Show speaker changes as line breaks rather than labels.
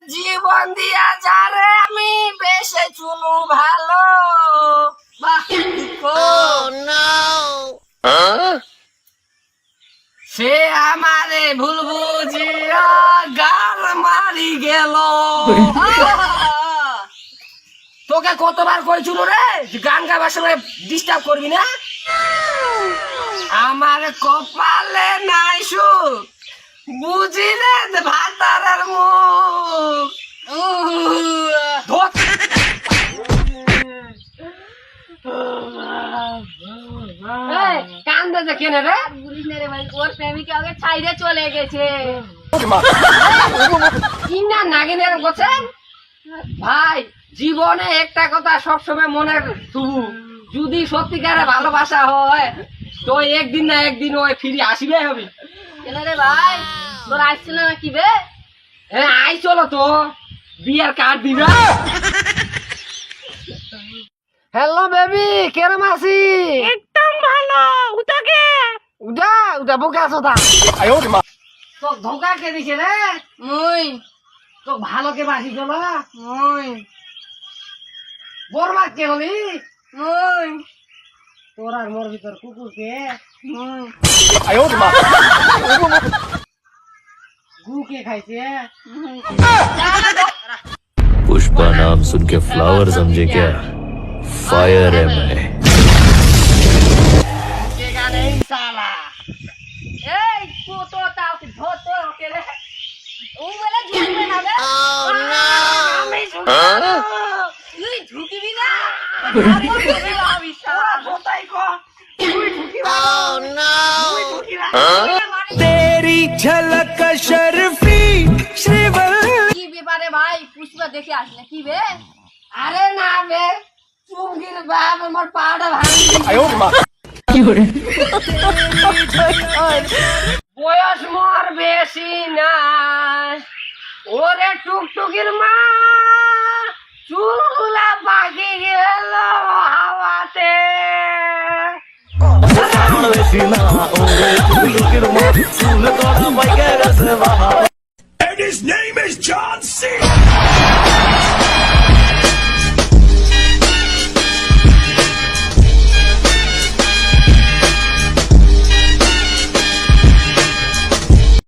জীবন দিয়া যারে আমি বেশে চুনু ভালো বাহ সে আমারে ভুল বুঝিয়া গাল মারি গেল তোকে কতবার কইছিল রে গান গাবার সময় ডিস্টার্ব করবি না আমার কপালে নাই সুখ বুঝি রে ভাতারের মুখ কান্দে যে কেনে রে
বুঝিস না রে ভাই, ওর প্রেমিকা ওকে ছাইড়ে চলে গেছে।
কিনা নাগিনের বলছেন ভাই জীবনে একটা কথা সবসময় মনে থুবু যদি সত্যিকারে ভালোবাসা হয় তো একদিন না একদিন ওই ফিরে আসবে হবে
কেন রে ভাই, তোর আসছিল না কি বে?
হ্যাঁ আই চলো তো বিয়ার কার্ড দিবা হ্যালো বেবি কেরম আছি
একদম ভালো। উঠাকে
উঠা উঠা বোকা আছো তা তো ধোকা কে দিছে রে
মুই
তো ভালো কে বাসি চলো
মুই
বরবাদ কে হলি
মুই
তোর আর মোর ভিতর কুকুর কে
মুই
গু কে খাইছে
पुष्पा नाम सुन के फ्लावर समझे क्या? फायर है मैं।
কে গানে সালা
এই তো তাও কি ধরতো ওকে রে। ও বলে ঝুঁকবে না বে।
আমি
তুই ঝুঁকিবি না। আমি ঝুঁকিবি না, বিশাল।
কোথায় কো তুই ঢুকি না তুই ঢুকি না
तेरी झलक शर्फी श्रीवल
কি ব্যাপারে ভাই, পুষ্পা দেখে আসলে কি বে?
আরে না বে চুমকির বাপ আমার পাটা ভাঙি বয়স মোর বেশি না ওরে টুকটুকির মা চুলগুলা বাকি গেল হাওয়াতে
and his name is John C.